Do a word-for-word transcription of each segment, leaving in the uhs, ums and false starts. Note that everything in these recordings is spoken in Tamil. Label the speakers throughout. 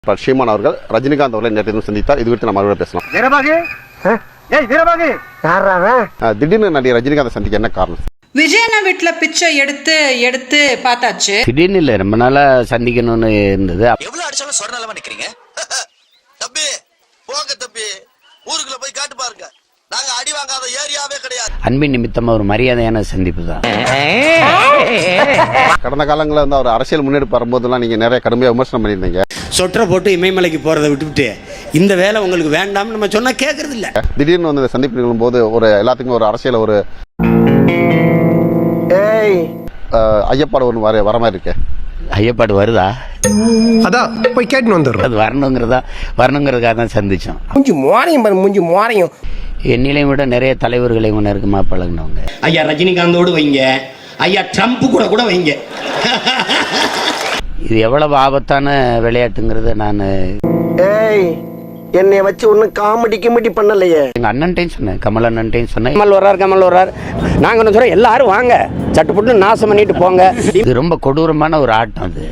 Speaker 1: சீமான் அவர்கள் ரஜினிகாந்த் அவர்களை நேற்று சந்தித்தார். இது குறித்து நம்ம மறுபடியும் பேசலாம். திடீர்னு நடிகர் ரஜினிகாந்த் சந்திக்க என்ன காரணம்?
Speaker 2: விஜயண்ணா வீட்டுல பிச்சை எடுத்து எடுத்து பார்த்தாச்சு.
Speaker 3: திடீர்னு இல்ல, ரொம்ப நாளா சந்திக்கணும்னு இருந்தது.
Speaker 4: எவ்வளவு அடிச்சாலும் சொர நிலமா நிக்கிறீங்க. தம்பி போங்க தம்பி, ஊருக்குள்ள போய் காட்டு பாருங்க, நாங்க அடி வாங்காத ஏரியாவே கிடையாது.
Speaker 3: அன்பின் நிமித்தமா ஒரு மரியாதையான சந்திப்பு தான்.
Speaker 1: கடந்த காலங்களில் வந்து அவர் அரசியல் முன்னெடுப்பு வரும்போதெல்லாம் நீங்க நிறைய கடுமையாக விமர்சனம் பண்ணியிருந்தீங்க.
Speaker 5: சொற்ற போட்டு இமயமலைக்கு போறதை விட்டுவிட்டு இந்த வேலை உங்களுக்கு வேண்டாம்னு நம்ம சொன்னா கேட்கறது இல்ல.
Speaker 1: திடீர்னு வந்து இந்த சந்திப்பு நிகழும் போது ஒரு எல்லாத்துக்கும் ஒரு அரசியல் ஒரு ஐயப்பாடு ஒன்று வர வர மாதிரி இருக்கு.
Speaker 3: ஐயப்பாடு வருதா?
Speaker 6: அதான் போய் கேட்டு வந்துடுறோம்.
Speaker 3: அது வரணுங்கிறதா வரணுங்கிறதுக்காக தான் சந்திச்சோம்.
Speaker 6: மூஞ்சி மோரையும் மூஞ்சி மோரையும்
Speaker 3: என்னிலையும் விட நிறைய தலைவர்களை நெருக்கமா பழகினவங்க.
Speaker 5: ஐயா ரஜினிகாந்தோடு வைங்க, ஐயா ட்ரம்ப் கூட கூட வைங்க.
Speaker 3: இது எவ்வளவு ஆபத்தான விளையாட்டுங்கிறத நான்
Speaker 6: என்னை வச்சு ஒன்னும் காமெடி கிமெடி பண்ணலையே.
Speaker 3: எங்க அண்ணன்ட்டையும் சொன்னேன், கமல் அண்ணன்ட்டையும் சொன்னேன்.
Speaker 5: கமல் வர்றார் கமல் வர்றார் நாங்க என்ன சொல்றோம், எல்லாரும் வாங்க சட்டு புட்டு நாசம் பண்ணிட்டு போங்க.
Speaker 3: இது ரொம்ப கொடூரமான ஒரு ஆட்டம். அது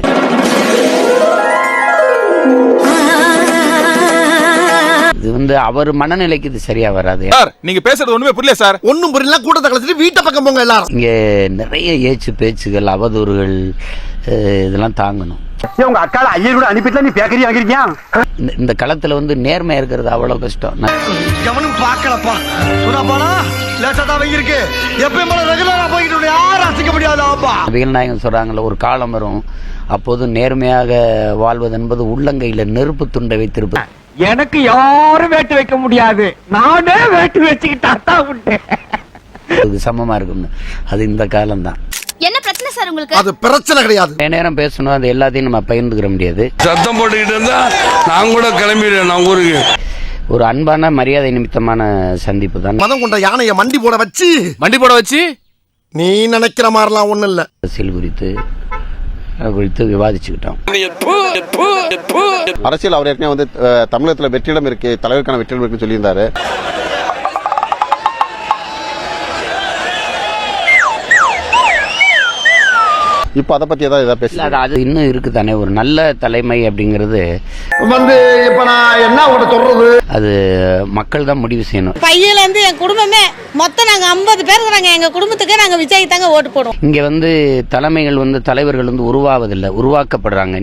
Speaker 3: இது வந்து அவர் மனநிலைக்கு இது சரியா வராது.
Speaker 7: நீங்க பேசுறது ஒண்ணுமே புரியல சார்.
Speaker 6: ஒன்னும் புரியல, கூட்டத்தை கலச்சிட்டு வீட்டை பக்கம் போங்க எல்லாரும்.
Speaker 3: இங்க நிறைய ஏச்சு பேச்சுகள், அவதூறுகள், இதெல்லாம் தாங்கணும்.
Speaker 8: உங்க அக்கால ஐயர் கூட அனுப்பிட்டு நீ பேக்கரி வாங்கிருக்கியா?
Speaker 3: இந்த களத்துல வந்து நேர்மை இருக்கிறது அவ்வளவு கஷ்டம்.
Speaker 6: எவனும் பாக்கலப்பா சுனாபானா லேட்டா வாங்கிருக்கு. எப்பயும் போல ரெகுலரா போயிட்டு யாரும் அசிக்க முடியாதாப்பா.
Speaker 3: வீரநாயகம் சொல்றாங்கல்ல, ஒரு காலம் வரும் அப்போது நேர்மையாக வாழ்வது என்பது உள்ளங்கையில நெருப்பு துண்டை வைத்திருப்பது.
Speaker 8: எனக்கு யாரும் வேட்டு வைக்க முடியாது, நானே வேட்டு வச்சுக்கிட்டா உண்டு.
Speaker 7: அது
Speaker 3: சமமா இருக்கும்னு. அது இந்த காலம் தான்.
Speaker 9: என்ன பிரச்சனை சார் உங்களுக்கு?
Speaker 6: அது பிரச்சனை கிடையாது.
Speaker 3: நேரம் பேசணும், அது எல்லாத்தையும் நம்ம பகிர்ந்துக்கிற முடியாது.
Speaker 7: சத்தம் போட்டுக்கிட்டு இருந்தா நான் கூட கிளம்பிடுவேன் நான் ஊருக்கு.
Speaker 3: ஒரு அன்பான மரியாதை நிமித்தமான சந்திப்பு தான்.
Speaker 6: மதம் கொண்ட யானைய மண்டி போட வச்சு
Speaker 7: மண்டி போட வச்சு
Speaker 6: நீ நினைக்கிற மாதிரிலாம் ஒண்ணு இல்ல.
Speaker 3: அரசியல் குறித்து குறித்து விவாதிச்சுக்கிட்டோம்.
Speaker 1: அரசியல் அவர் ஏற்கனவே வந்து தமிழகத்தில் வெற்றிடம் இருக்கு, தலைவருக்கான வெற்றிடம் இருக்குன்னு சொல்லியிருந்தாரு. இப்ப அதை பத்தி ஏதாவது ஏதாவது பேசல.
Speaker 3: அது இன்னும் இருக்கு தானே. ஒரு நல்ல தலைமை அப்படிங்கிறது
Speaker 6: வந்து இப்ப நான் என்ன உட சொல்றது,
Speaker 3: அது மக்கள் தான் முடிவு செய்யணும்.
Speaker 10: பையில இருந்து என் குடும்பமே மொத்தம் நாங்க ஐம்பது பேர் இருக்கிறாங்க. எங்க குடும்பத்துக்கு நாங்க விஜய் தாங்க ஓட்டு போடுவோம்.
Speaker 3: இங்க வந்து தலைமைகள் வந்து தலைவர்கள் வந்து உருவாவதில்லை, உருவாக்கப்படுறாங்க.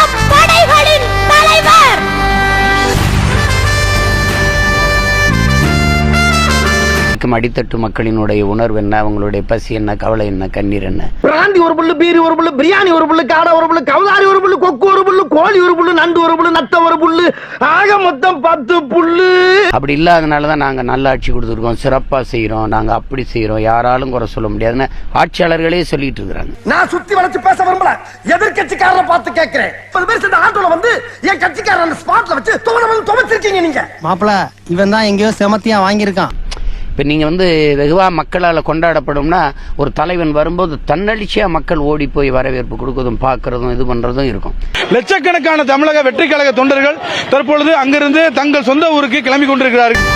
Speaker 3: அடித்தட்டு மக்களினுடைய உணர்வு என்ன, அவங்களுடைய பசி என்ன, கவலை என்ன, கண்ணீர் என்ன.
Speaker 6: பிராந்தி ஒரு புல்லு, பீரி ஒரு புல்லு, பிரியாணி ஒரு புல்லு, காடை ஒரு புல்லு, கவுதாரி ஒரு புல்லு, கொக்கு ஒரு புல்லு, கோழி ஒரு புல்லு, நண்டு ஒரு புல்லு, நத்த ஒரு புல்லு, ஆக மொத்தம் பத்து புல்லு.
Speaker 3: அப்படி இல்லாதனாலதான் நாங்க நல்ல ஆட்சி கொடுத்துருக்கோம், சிறப்பா செய்யறோம், நாங்க அப்படி செய்யறோம், யாராலும் குறை சொல்ல முடியாதுன்னு ஆட்சியாளர்களே சொல்லிட்டு இருக்கிறாங்க.
Speaker 6: நான் சுத்தி வளைச்சு பேச விரும்பல, எதிர்கட்சிக்காரரை பார்த்து கேட்கிறேன். பத்து பேர் சேர்ந்த ஆட்டோல வந்து என் கட்சிக்காரன் ஸ்பாட்ல வச்சு துவச்சிருக்கீங்க நீங்க.
Speaker 11: மாப்பிள இவன் தான் எங்கேயோ செமத்தியா வாங்கியிருக்கான்.
Speaker 3: இப்போ நீங்கள் வந்து வெகுவா மக்களால் கொண்டாடப்படும்னா ஒரு தலைவன் வரும்போது தன்னெழுச்சியாக மக்கள் ஓடி போய் வரவேற்பு கொடுக்கறதும் பார்க்கறதும் இது பண்ணுறதும் இருக்கும்.
Speaker 7: லட்சக்கணக்கான தமிழக வெற்றி கழக தொண்டர்கள் தற்பொழுது அங்கிருந்து தங்கள் சொந்த ஊருக்கு கிளம்பி கொண்டிருக்கிறார்கள்.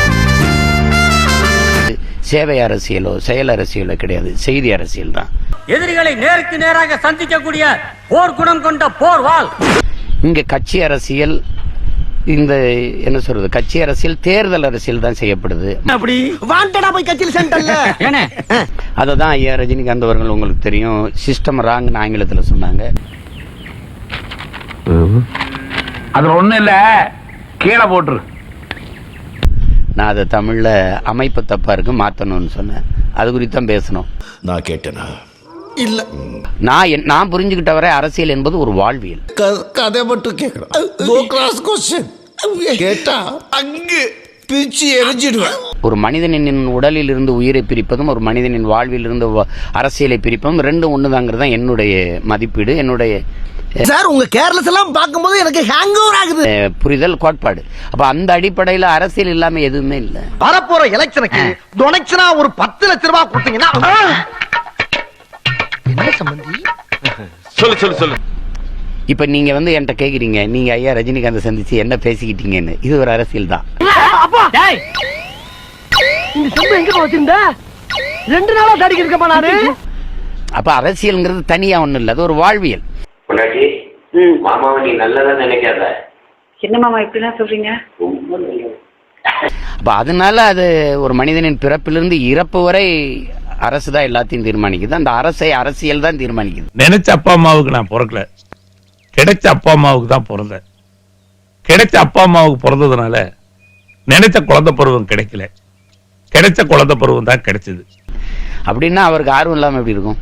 Speaker 3: சேவை அரசியலோ செயல் அரசியலோ கிடையாது, செய்தி அரசியல் தான்.
Speaker 8: எதிரிகளை நேருக்கு நேராக சந்திக்கக்கூடிய போர் குணம் கொண்ட போர் வாள்.
Speaker 3: இங்கே கட்சி அரசியல், இந்த என்ன சொல்றது, கட்சி அரசியல் தேர்தல் அரசியல் தான் செய்யப்படுது.
Speaker 6: அப்படி வாண்டடா போய் கட்சியில் சென்டர்ல
Speaker 3: அததான் ஐயா ரஜினிகாந்த் அவர்கள் உங்களுக்கு தெரியும் சிஸ்டம் ராங்னு ஆங்கிலத்தில் சொன்னாங்க.
Speaker 8: அதுல ஒண்ணு இல்ல, கீழே போட்டுரு.
Speaker 3: நான் அதை தமிழ்ல அமைப்பு தப்பா இருக்கு மாத்தணும்னு சொன்னேன். அது குறித்து தான் பேசணும்.
Speaker 4: நான் கேட்டேனா?
Speaker 6: இல்ல,
Speaker 3: நான் நான் புரிஞ்சுக்கிட்ட வரை அரசியல் என்பது ஒரு வாழ்வியல்.
Speaker 6: கதை மட்டும் கேட்கிறேன், கேட்டா அங்கு பிச்சு எரிஞ்சிடுவேன்.
Speaker 3: ஒரு மனிதனின் உடலில் இருந்து உயிரை பிரிப்பதும் ஒரு மனிதனின் வாழ்வில் இருந்து அரசியலை பிரிப்பதும் ரெண்டும் ஒண்ணுதாங்கிறது தான் என்னுடைய மதிப்பீடு, என்னுடைய
Speaker 6: சார். உங்க கேர்லஸ் எல்லாம் பார்க்கும்போது எனக்கு ஹேங் ஓவர் ஆகுது.
Speaker 3: புரிதல், கோட்பாடு. அப்ப அந்த அடிப்படையில அரசியல் இல்லாம எதுவுமே இல்ல.
Speaker 6: வரப்போற எலெக்ஷனுக்கு டொனேஷனா ஒரு பத்து லட்சம் ரூபாய் கொடுத்தீங்கன்னா என்ன சம்பந்தி?
Speaker 7: சொல்லு சொல்லு சொல்லு.
Speaker 3: இப்ப நீங்க வந்து என்கிட்ட கேக்குறீங்க, நீங்க ஐயா ரஜினிகாந்த் சந்திச்சு என்ன பேசிக்கிட்டீங்கன்னு. இது ஒரு அரசியல் தான்.
Speaker 6: ரெண்டு நாளா தடிக்க இருக்கப்பா நானு.
Speaker 3: அப்ப அரசியல்ங்கிறது தனியா ஒண்ணு இல்ல, அது ஒரு வாழ்வியல்.
Speaker 9: மாமாவை நீ நல்லதா நினைக்காத.
Speaker 10: என்ன மாமா இப்படிலாம் சொல்றீங்க?
Speaker 3: அப்ப அதனால அது ஒரு மனிதனின் பிறப்பிலிருந்து இறப்பு வரை அரசு தான் எல்லாத்தையும் தீர்மானிக்குது. அந்த அரசை அரசியல் தான் தீர்மானிக்குது.
Speaker 7: நினைச்ச அப்பா அம்மாவுக்கு நான் பிறக்கல, கிடைச்ச அப்பா அம்மாவுக்கு தான் பிறந்தேன். கிடைச்ச அப்பா அம்மாவுக்கு பிறந்ததுனால நினைச்ச குழந்தை பருவம் கிடைக்கல, கிடைச்ச குழந்தை பருவம் தான் கிடைச்சது.
Speaker 3: அப்படின்னா அவருக்கு ஆர்வம் இல்லாம எப்படி இருக்கும்?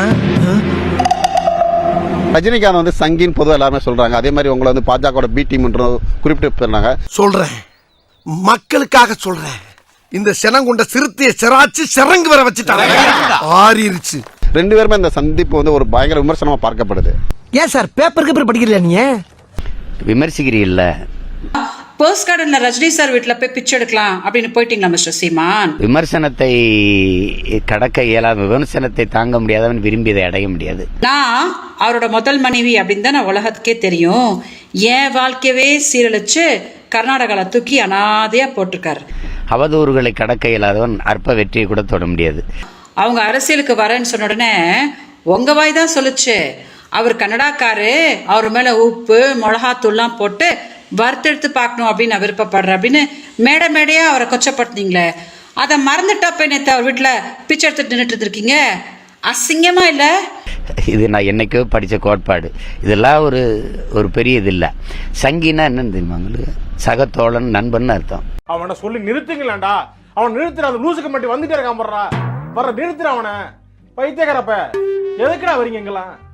Speaker 1: ரஜினிகாந்த் வந்து சங்கின்னு பொதுவாக எல்லாருமே சொல்றாங்க. அதே மாதிரி உங்களை வந்து பாஜக பி டீம் குறிப்பிட்டு சொன்னாங்க.
Speaker 6: சொல்றேன், மக்களுக்காக சொல்றேன். இந்த செனங்குண்ட சிறுத்தைய செராச்சு சிறங்கு வர வச்சுட்டாங்க, ஆறிருச்சு.
Speaker 1: ரெண்டு பேருமே இந்த சந்திப்பு வந்து ஒரு பயங்கர விமர்சனமா பார்க்கப்படுது.
Speaker 6: ஏன் சார் பேப்பருக்கு பேப்பர் படிக்கிறீங்களா நீங்க?
Speaker 3: விமர்சிக்கிறீல்ல.
Speaker 2: போஸ்ட் கார்டுல ரஜினி சார் வீட்டுல போய் பிச்சை எடுக்கலாம் அப்படின்னு போயிட்டீங்களா மிஸ்டர் சீமான்?
Speaker 3: விமர்சனத்தை கடக்க இயலாத, விமர்சனத்தை தாங்க முடியாதவன் விரும்பியதை அடைய முடியாது.
Speaker 2: நான் அவரோட முதல் மனைவி அப்படின்னு தான் நான் உலகத்துக்கே தெரியும். என் வாழ்க்கையவே சீரழிச்சு கர்நாடகால தூக்கி அனாதையா போட்டிருக்காரு.
Speaker 3: அவதூறுகளை கடக்க இயலாதவன் அற்ப வெற்றியை கூட தொட முடியாது.
Speaker 2: அவங்க அரசியலுக்கு வரேன்னு சொன்ன உடனே உங்க வாய் தான் சொல்லுச்சு அவர் கன்னடாக்காரு, அவர் மேல உப்பு மிளகாத்தூள்லாம் போட்டு வறுத்தெடுத்து பார்க்கணும் அப்படின்னு நான் விருப்பப்படுறேன் அப்படின்னு மேடை மேடையா அவரை கொச்சப்படுத்தினீங்களே, அதை மறந்துட்டா போய் நேற்று அவர் வீட்டில் பிச்சை எடுத்துட்டு நின்றுட்டு இருந்திருக்கீங்க. அசிங்கமா இல்லை?
Speaker 3: இது நான் என்னைக்கோ படித்த கோட்பாடு. இதெல்லாம் ஒரு ஒரு பெரிய இது இல்லை. சங்கினா என்னன்னு தெரியுமா உங்களுக்கு? சகத்தோழன், நண்பன் அர்த்தம்.
Speaker 7: அவனை சொல்லி நிறுத்துங்களேன்டா, அவன் நிறுத்துற, அந்த லூசுக்கு மட்டும் வந்துட்டே இருக்கான் போடுறா, வர நிறுத்துற அவனை. பைத்தியக்காரப்ப எதுக்குடா வரீங்க எங்கெல்லாம்?